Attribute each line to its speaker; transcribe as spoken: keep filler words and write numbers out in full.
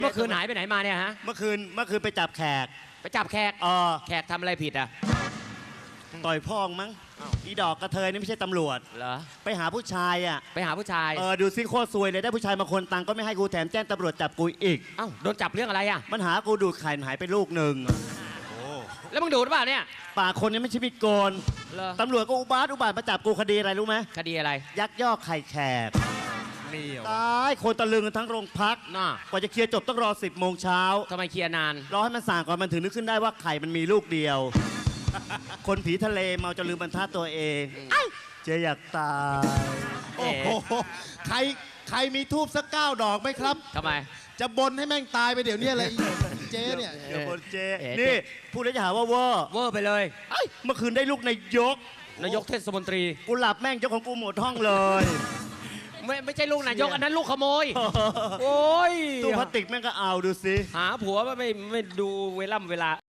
Speaker 1: เมื่อคืนหายไปไหนมาเนี่ยฮะ
Speaker 2: เมื่อคืนเมื่อคืนไปจับแขก
Speaker 1: ไปจับแขก
Speaker 2: เออ
Speaker 1: แขกทำอะไรผิดอ่ะ
Speaker 2: ต่อยพ่องมั้งอีดอกกระเทยนี่ไม่ใช่ตำรวจ
Speaker 1: เหรอ
Speaker 2: ไปหาผู้ชายอ่ะ
Speaker 1: ไปหาผู้ชาย
Speaker 2: เออดูซิโคตรซวยเลยได้ผู้ชายมาคนตังก็ไม่ให้กูแถมแจ้งตำรวจจับกูอีก
Speaker 1: เอ้าโดนจับเรื่องอะไรอ่ะ
Speaker 2: มันหากูดูดไข่หายไปลูกหนึ่ง
Speaker 1: แล้วมึงดูดหรือเปล่าเนี่ย
Speaker 2: ปากคนนี้ไม่ใช่มีดโกน
Speaker 1: เหรอ
Speaker 2: ตำรวจก็อุบาทอุบาทมาจับกูคดีอะไรรู้ไหม
Speaker 1: คดีอะไร
Speaker 2: ยักยอกไข่แขก
Speaker 1: นี่เหรอ
Speaker 2: ตายคนตะลึงกันทั้งโรงพัก
Speaker 1: น่ะ
Speaker 2: กว่าจะเคลียร์จบต้องรอสิบโมงเช้า
Speaker 1: ทำไมเคลียร์นาน
Speaker 2: รอให้มันส่างก่อนมันถึงนึกขึ้นได้ว่าไข่มันมีลูกเดียว คนผีทะเลเมาจะลืมบรรทัดตัวเองไอ้เจ๊อยากตาย
Speaker 1: เอ๋
Speaker 3: โอ้โหใครใครมีทูบสักเก้าดอกไหมครับ
Speaker 1: ทำไม
Speaker 3: จะบนให้แม่งตายไปเดี๋ยวนี้เลยเจ๊เนี่ย
Speaker 2: เดี๋ยวคนเจ๊
Speaker 1: เอ๋
Speaker 2: นี่พูดแล้วจะหาว่าเวอร์
Speaker 1: เวอร์ไปเลย
Speaker 2: ไอ้เมื่อคืนได้ลูกนายก
Speaker 1: นายกเทศมนตรี
Speaker 2: กูหลับแม่งเจ้าของกูหมดห้องเลย
Speaker 1: ไม่ไม่ใช่ลูกนายกอันนั้นลูกขโมย โอ้ย
Speaker 2: ตู้พลาสติกแม่งก็เอาดูสิ
Speaker 1: หาผัวไม่ไม่ดูเวล่ำเวลา